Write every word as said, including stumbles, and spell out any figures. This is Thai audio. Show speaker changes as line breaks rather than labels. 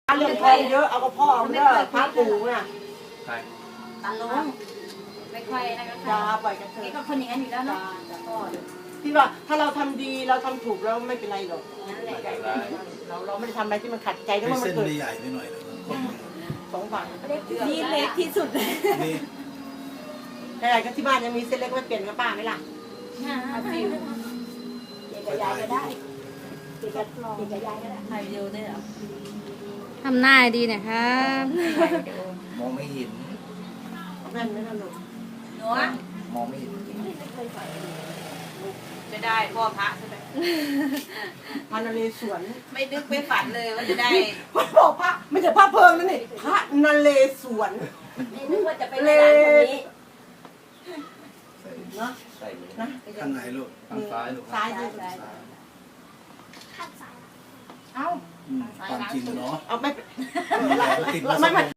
เรื่องทองเยอะเอากระเพาะเอาเด้อพระปู่น่ะ
ใคร
ตาลงไม่ค่อยนะก็
อย่าปล่อยกันเถ
นี่
อะ
ก็คนอย่างนั้นอยู่แล้วเนาะ
ที่ว่าถ้าเราทำดีเราทำถูกแล้วไม่เป็นไรหรอก
นั่นแหละ
เราเราไม่ได้ทำอะไรที่มันขัดใจก็
ให้
มัน
เส้น
เกิด
ไม่ใหญ่ไปหน่อยนะคน
สองฝั่ง
นี่เล็กที่สุดเลย
นี่
แต่ก็ที่บ้านยังมีเส้นเล็กไม่เปลี่ยนกับป้าไหมล่ะ
ฟิว
เด็กกับยายก็ได้เด็กกับเด็กกับยายก็ได้
ถ่ายวิดีโอได้เหรอ
ทำหน้าดีหนะครับ
มองไม่เห็น
แม่นไหมล่ะลูก
หนู
มองไม่เห็น
จะได้พ่อพระใช่ไหม
พันนเรศวร
ไม่นึกไม่ฝันเลยว่าจะได้
พ่อบอกพระไม่ใช่พระเพิงนั่นนี่พระนเรศวร
ไม่นึกว่าจะไปในร้านคนนี้
เนาะ
ใส่เลย
นะ
ข้างไหนลูก
ทางซ้ายลูก
ซ้ายดี
เอ้า
อืมความจริงอะเนาะ
เอาไม่
มีอะไรก็ติดมา
ไม่
สัก
ไม่